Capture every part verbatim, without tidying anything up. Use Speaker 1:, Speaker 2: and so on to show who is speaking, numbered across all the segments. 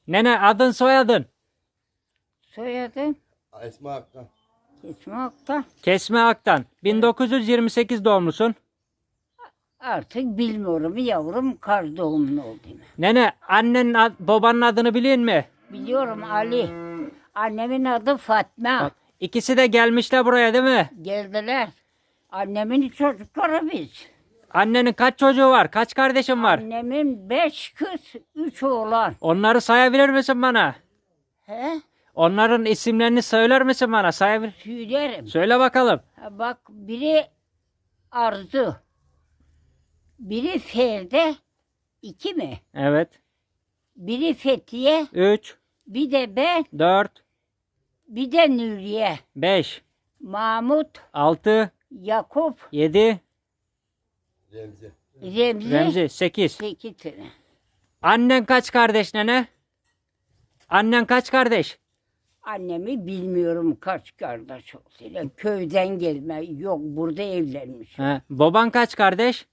Speaker 1: Nene adın soyadın?
Speaker 2: Soyadın
Speaker 3: Esma Aktan.
Speaker 2: Kesme Aktan.
Speaker 1: Kesme Aktan. bin dokuz yüz yirmi sekiz doğumlusun.
Speaker 2: Artık bilmiyorum yavrum, kar doğumlu oldum.
Speaker 1: Nene annen ad- babanın adını biliyor musun?
Speaker 2: Biliyorum Ali. Annemin adı Fatma.
Speaker 1: İkisi de gelmişler buraya değil mi?
Speaker 2: Geldiler. Annemin çocukları biz.
Speaker 1: Annenin kaç çocuğu var? Kaç kardeşin var?
Speaker 2: Annemin beş kız, üç oğlan.
Speaker 1: Onları sayabilir misin bana?
Speaker 2: He?
Speaker 1: Onların isimlerini söyler misin bana? Sayabilir.
Speaker 2: Söylerim.
Speaker 1: Söyle bakalım.
Speaker 2: Ha, bak biri Arzu. Biri Feride. iki mi?
Speaker 1: Evet.
Speaker 2: Biri Fethiye.
Speaker 1: üç,
Speaker 2: Bir de ben.
Speaker 1: dört,
Speaker 2: Bir de Nuriye.
Speaker 1: beş,
Speaker 2: Mahmut.
Speaker 1: altı,
Speaker 2: Yakup.
Speaker 1: yedi,
Speaker 3: Remzi.
Speaker 2: Remzi.
Speaker 1: Remzi, sekiz.
Speaker 2: Sekiz tane.
Speaker 1: Annen kaç kardeş nene? Annen kaç kardeş?
Speaker 2: Annemi bilmiyorum kaç kardeş oldu. Köyden gelme. Yok, burada evlenmiş.
Speaker 1: He. Baban kaç kardeş?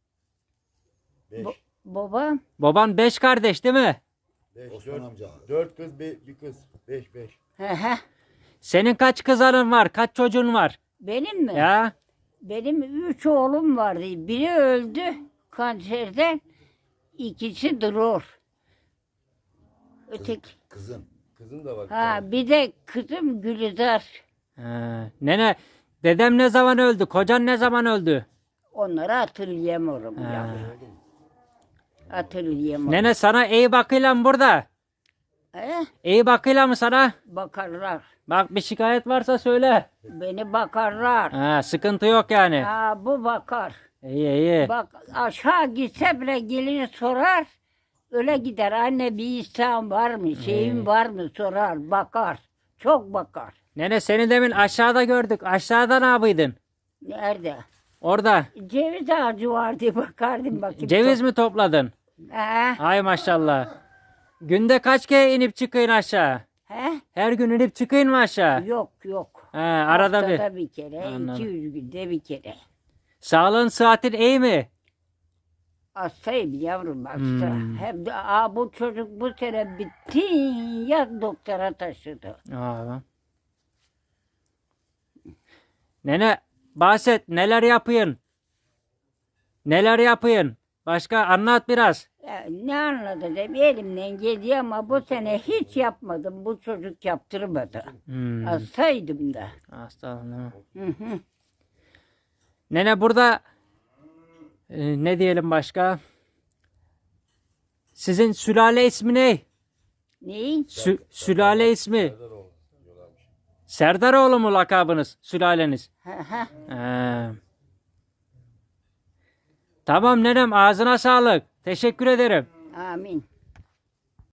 Speaker 3: Beş.
Speaker 2: Bo- Babam
Speaker 1: Baban beş kardeş değil mi?
Speaker 3: Beş.
Speaker 4: Osman
Speaker 3: Dört,
Speaker 4: amca.
Speaker 3: dört kız bir, bir kız. Beş beş.
Speaker 2: he he.
Speaker 1: Senin kaç kızların var? Kaç çocuğun var?
Speaker 2: Benim mi?
Speaker 1: Ya
Speaker 2: Benim üç oğlum vardı. Biri öldü kanserden. İkisi durur. Öteki.
Speaker 4: Kızın.
Speaker 3: Kızın da var. bir
Speaker 2: Ha,
Speaker 3: tane.
Speaker 2: bir de kızım Gülizar.
Speaker 1: He. Nene dedem ne zaman öldü? Kocan ne zaman öldü?
Speaker 2: Onları hatırlayamıyorum
Speaker 1: Ha.
Speaker 2: ya. Hatırlayamıyorum.
Speaker 1: Nene sana iyi bakıyla mı burada?
Speaker 2: He?
Speaker 1: İyi bakıyla mı sana?
Speaker 2: Bakarlar.
Speaker 1: Bak bir şikayet varsa söyle.
Speaker 2: Beni bakarlar.
Speaker 1: Ha, sıkıntı yok yani.
Speaker 2: Ha, bu bakar.
Speaker 1: İyi iyi.
Speaker 2: Bak aşağı gitse bile gelir sorar. Öyle gider. Anne bir isteğin var mı? Şeyin var mı? Sorar. Bakar. Çok bakar.
Speaker 1: Nene seni demin aşağıda gördük. Aşağıda ne yapıydın?
Speaker 2: Nerede?
Speaker 1: Orada.
Speaker 2: Ceviz ağacı vardı. Bakardım bakayım.
Speaker 1: Ceviz mi topladın?
Speaker 2: He?
Speaker 1: Ay maşallah. Günde kaç kere inip çıkıyorsun aşağı?
Speaker 2: He?
Speaker 1: Her gün inip çıkıyorsun mu aşağı?
Speaker 2: Yok yok.
Speaker 1: He, arada bir.
Speaker 2: Haftada bir kere.
Speaker 1: Anladım.
Speaker 2: iki yüz günde bir kere.
Speaker 1: Sağlığın sıhhatin iyi mi?
Speaker 2: Hastayım yavrum hasta.
Speaker 1: Hmm.
Speaker 2: Hem de aa, bu çocuk bu sene bitti ya doktora taşıdı.
Speaker 1: Aa. Nene bahset neler yapıyorsun? Neler yapıyorsun? Başka anlat biraz.
Speaker 2: Ya, ne anlatacağım elimden geliyor ama bu sene hiç yapmadım. Bu çocuk yaptırmadı.
Speaker 1: Hmm.
Speaker 2: Hastaydım da.
Speaker 1: Hastalanma.
Speaker 2: Hı hı.
Speaker 1: Nene burada e, ne diyelim başka? Sizin sülale ismi ne?
Speaker 2: Neyi?
Speaker 1: Sü- sülale ismi. Serdaroğlu mu lakabınız? Sülaleniz.
Speaker 2: Hı hı.
Speaker 1: He. Tamam nenem ağzına sağlık. Teşekkür ederim.
Speaker 2: Amin.